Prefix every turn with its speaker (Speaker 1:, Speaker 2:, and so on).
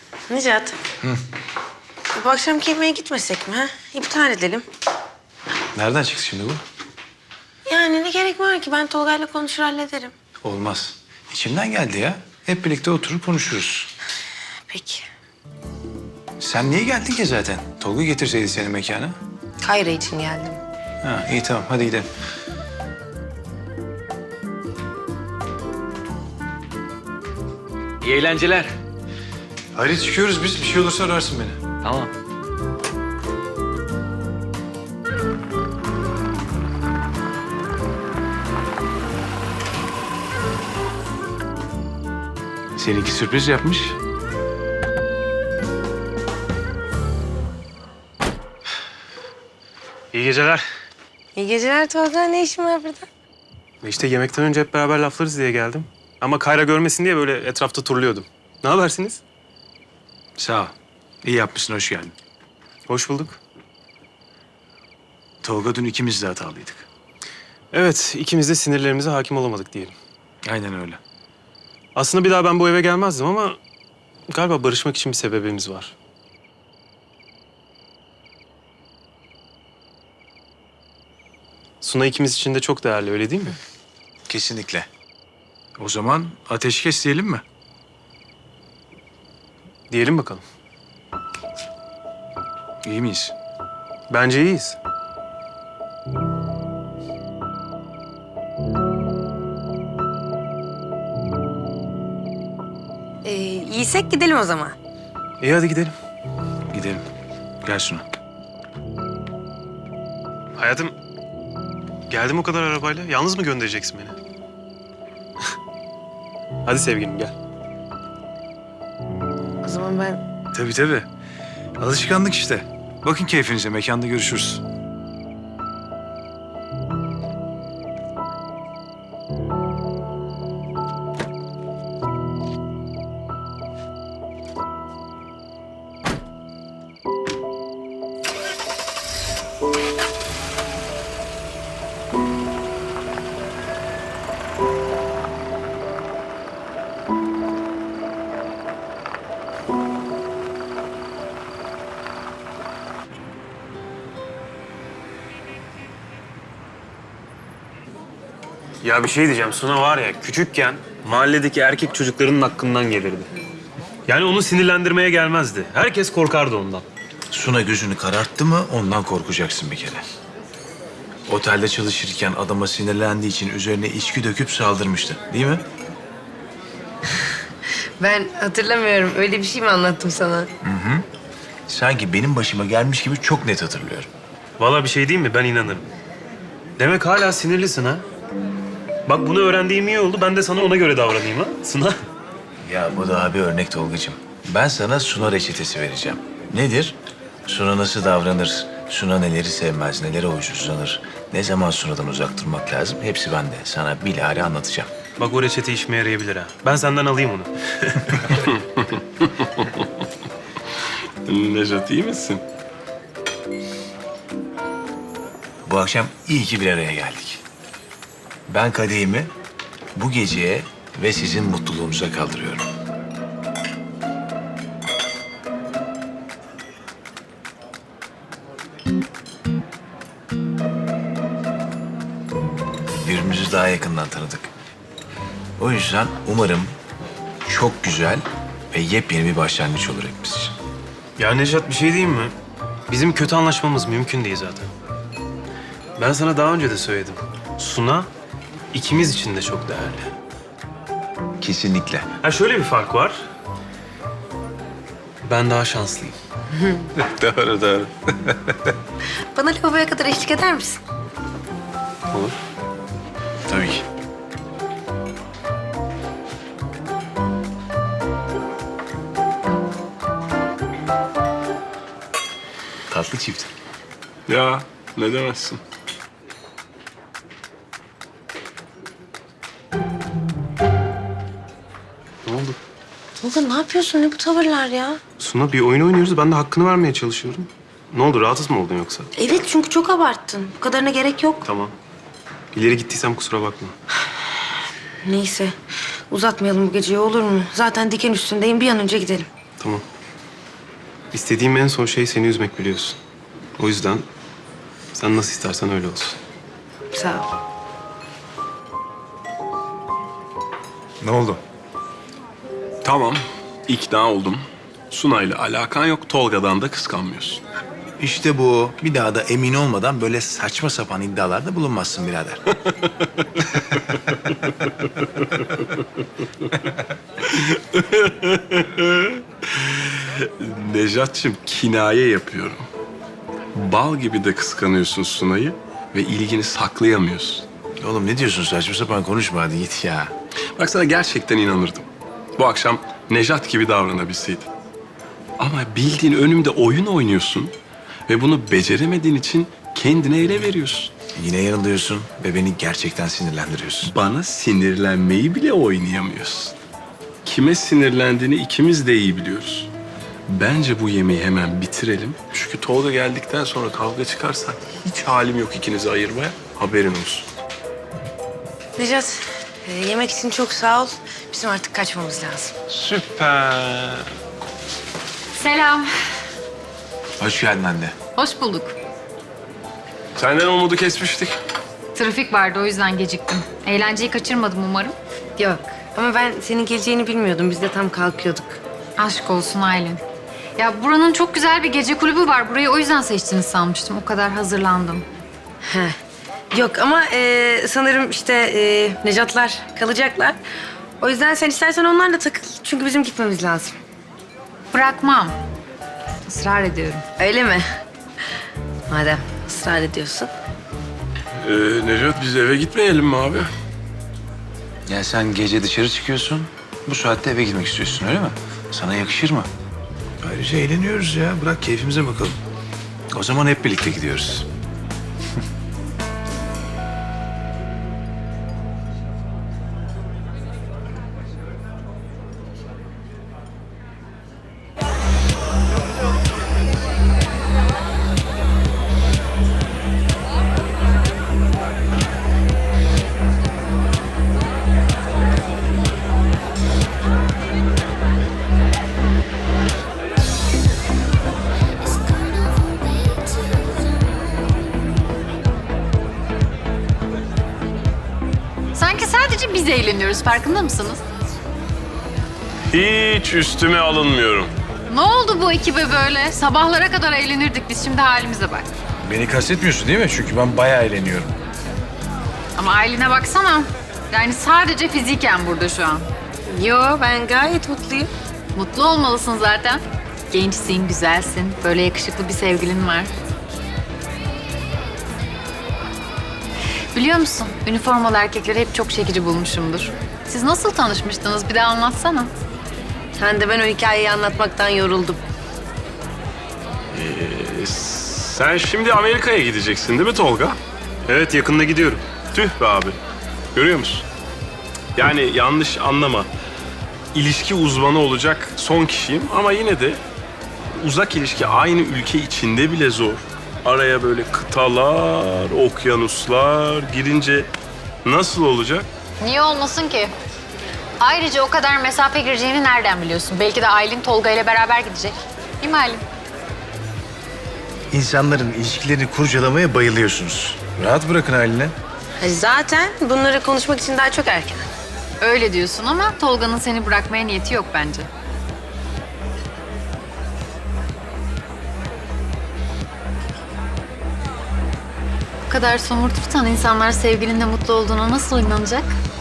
Speaker 1: Necat. Bu akşamki yemeğe gitmesek mi ha? İptal edelim.
Speaker 2: Nereden çıktı şimdi bu?
Speaker 1: Yani ne gerek var ki? Ben Tolga'yla konuşur hallederim.
Speaker 2: Olmaz. İçimden geldi ya. Hep birlikte oturup konuşuruz.
Speaker 1: Peki.
Speaker 2: Sen niye geldin ki zaten? Tolga getirseydi seni mekana.
Speaker 1: Kayra için geldim.
Speaker 2: Ha, iyi tamam hadi gidelim.
Speaker 3: İyi eğlenceler.
Speaker 2: Hadi çıkıyoruz biz. Bir şey olursa ararsın beni.
Speaker 3: Tamam.
Speaker 2: Seninki sürpriz yapmış.
Speaker 4: İyi geceler.
Speaker 1: İyi geceler Tolga. Ne işin var burada?
Speaker 4: İşte yemekten önce hep beraber laflarız diye geldim. Ama Kayra görmesin diye böyle etrafta turluyordum. Ne habersiniz?
Speaker 2: Sağ ol. İyi yapmışsın, hoş geldin.
Speaker 4: Hoş bulduk.
Speaker 2: Tolga dün ikimiz de hatalıydık.
Speaker 4: Evet, ikimiz de sinirlerimize hakim olamadık diyelim.
Speaker 2: Aynen öyle.
Speaker 4: Aslında bir daha ben bu eve gelmezdim ama galiba barışmak için bir sebebimiz var. Suna ikimiz için de çok değerli, öyle değil mi?
Speaker 2: Kesinlikle. O zaman ateşkes diyelim mi?
Speaker 4: Diyelim bakalım.
Speaker 2: İyi miyiz?
Speaker 4: Bence iyiyiz.
Speaker 1: İyiysek gidelim o zaman.
Speaker 4: İyi hadi gidelim.
Speaker 2: Gidelim. Gel Suna.
Speaker 4: Hayatım, geldim o kadar arabayla. Yalnız mı göndereceksin beni? Hadi sevgilim gel.
Speaker 1: O zaman ben...
Speaker 2: Tabii tabii. Alışkanlık işte. Bakın keyfinize, mekanda görüşürüz.
Speaker 4: Ya bir şey diyeceğim. Suna var ya küçükken mahalledeki erkek çocuklarının hakkından gelirdi. Yani onu sinirlendirmeye gelmezdi. Herkes korkardı ondan.
Speaker 2: Suna gözünü kararttı mı ondan korkacaksın bir kere. Otelde çalışırken adama sinirlendiği için üzerine içki döküp saldırmıştı. Değil mi?
Speaker 1: Ben hatırlamıyorum. Öyle bir şey mi anlattım sana?
Speaker 2: Sanki benim başıma gelmiş gibi çok net hatırlıyorum.
Speaker 4: Vallahi bir şey diyeyim mi? Ben inanırım. Demek hala sinirlisin ha? Bak bunu öğrendiğim iyi oldu. Ben de sana ona göre davranayım ha Suna.
Speaker 2: Ya bu daha bir örnek Tolgacığım. Ben sana Suna reçetesi vereceğim. Nedir? Suna nasıl davranır? Suna neleri sevmez, nelere hoşlanır? Ne zaman Suna'dan uzak durmak lazım? Hepsi bende. Sana bilahare anlatacağım.
Speaker 4: Bak o reçete işime yarayabilir ha. Ben senden alayım onu.
Speaker 5: Nejat iyi misin?
Speaker 2: Bu akşam iyi ki bir araya geldik. Ben kadehimi bu geceye ve sizin mutluluğunuza kaldırıyorum. Birbirimizi daha yakından tanıdık. O yüzden umarım çok güzel ve yepyeni bir başlangıç olur hepimiz için.
Speaker 4: Ya Nejat bir şey diyeyim mi? Bizim kötü anlaşmamız mümkün değil zaten. Ben sana daha önce de söyledim. Suna ikimiz için de çok değerli.
Speaker 2: Kesinlikle.
Speaker 4: Ha şöyle bir fark var. Ben daha şanslıyım.
Speaker 5: Doğru doğru.
Speaker 1: Bana lavaboya kadar eşlik eder misin?
Speaker 4: Olur.
Speaker 2: Tabii ki. Tatlı çift.
Speaker 5: Ya ne demezsin.
Speaker 4: Ne oldu?
Speaker 1: Tolga ne yapıyorsun? Ne bu tavırlar ya?
Speaker 4: Suna bir oyun oynuyoruz. Ben de hakkını vermeye çalışıyorum. Ne oldu? Rahatsız mı oldun yoksa?
Speaker 1: Evet çünkü çok abarttın. Bu kadarına gerek yok.
Speaker 4: Tamam. İleri gittiysem kusura bakma.
Speaker 1: Neyse uzatmayalım bu geceyi olur mu? Zaten diken üstündeyim. Bir an önce gidelim.
Speaker 4: Tamam. İstediğim en son şey seni üzmek biliyorsun. O yüzden sen nasıl istersen öyle olsun.
Speaker 1: Sağ ol.
Speaker 2: Ne oldu?
Speaker 5: Tamam, ikna oldum. Sunay'la alakan yok, Tolga'dan da kıskanmıyorsun.
Speaker 2: İşte bu. Bir daha da emin olmadan böyle saçma sapan iddialarda bulunmazsın birader.
Speaker 5: Nejat'cığım kinaye yapıyorum. Bal gibi de kıskanıyorsun Sunay'ı ve ilgini saklayamıyorsun.
Speaker 2: Oğlum ne diyorsun, saçma sapan konuşma hadi git ya.
Speaker 5: Bak sana gerçekten inanırdım. Bu akşam Nejat gibi davranabilseydin. Ama bildiğin önümde oyun oynuyorsun ve bunu beceremediğin için kendine ele veriyorsun.
Speaker 2: Yine yanılıyorsun ve beni gerçekten sinirlendiriyorsun.
Speaker 5: Bana sinirlenmeyi bile oynayamıyorsun. Kime sinirlendiğini ikimiz de iyi biliyoruz. Bence bu yemeği hemen bitirelim. Çünkü Tolga geldikten sonra kavga çıkarsa hiç halim yok ikinizi ayırmaya. Haberin olsun.
Speaker 1: Necat, yemek için çok sağ ol. Bizim artık kaçmamız lazım.
Speaker 5: Süper.
Speaker 6: Selam.
Speaker 2: Hoş geldin anne.
Speaker 6: Hoş bulduk.
Speaker 5: Senden umudu kesmiştik.
Speaker 6: Trafik vardı o yüzden geciktim. Eğlenceyi kaçırmadım umarım.
Speaker 1: Yok ama ben senin geleceğini bilmiyordum. Biz de tam kalkıyorduk.
Speaker 6: Aşk olsun Aylin. Ya buranın çok güzel bir gece kulübü var. Burayı o yüzden seçtiniz sanmıştım. O kadar hazırlandım.
Speaker 1: He. Yok ama sanırım işte Necatlar kalacaklar. O yüzden sen istersen onlarla takıl. Çünkü bizim gitmemiz lazım.
Speaker 6: Bırakmam. Israr ediyorum.
Speaker 1: Öyle mi? Madem ısrar ediyorsun.
Speaker 5: Nejat biz eve gitmeyelim mi abi?
Speaker 2: Ya sen gece dışarı çıkıyorsun, bu saatte eve gitmek istiyorsun öyle mi? Sana yakışır mı? Ayrıca eğleniyoruz ya, bırak keyfimize bakalım. O zaman hep birlikte gidiyoruz.
Speaker 6: Sanki sadece biz eğleniyoruz. Farkında mısınız?
Speaker 5: Hiç üstüme alınmıyorum.
Speaker 6: Ne oldu bu ekibe böyle? Sabahlara kadar eğlenirdik biz. Şimdi halimize bak.
Speaker 2: Beni kastetmiyorsun değil mi? Çünkü ben bayağı eğleniyorum.
Speaker 6: Ama Aylin'e baksana. Yani sadece fiziken burada şu an.
Speaker 1: Yo ben gayet mutluyum.
Speaker 6: Mutlu olmalısın zaten. Gençsin, güzelsin. Böyle yakışıklı bir sevgilin var. Biliyor musun? Üniformalı erkekleri hep çok çekici bulmuşumdur. Siz nasıl tanışmıştınız? Bir de anlatsana.
Speaker 1: Sen de ben o hikayeyi anlatmaktan yoruldum.
Speaker 5: Sen şimdi Amerika'ya gideceksin değil mi Tolga?
Speaker 4: Evet, yakında gidiyorum.
Speaker 5: Tüh be abi. Görüyor musun? Yani yanlış anlama. İlişki uzmanı olacak son kişiyim ama yine de uzak ilişki aynı ülke içinde bile zor. Araya böyle kıtalar, okyanuslar girince nasıl olacak?
Speaker 6: Niye olmasın ki? Ayrıca o kadar mesafe gireceğini nereden biliyorsun? Belki de Aylin Tolga ile beraber gidecek. Değil mi Aylin?
Speaker 2: İnsanların ilişkilerini kurcalamaya bayılıyorsunuz. Rahat bırakın haline.
Speaker 1: Zaten bunları konuşmak için daha çok erken.
Speaker 6: Öyle diyorsun ama Tolga'nın seni bırakmaya niyeti yok bence. Bu kadar somurtursan insanlar sevgilinin de mutlu olduğuna nasıl inanacak?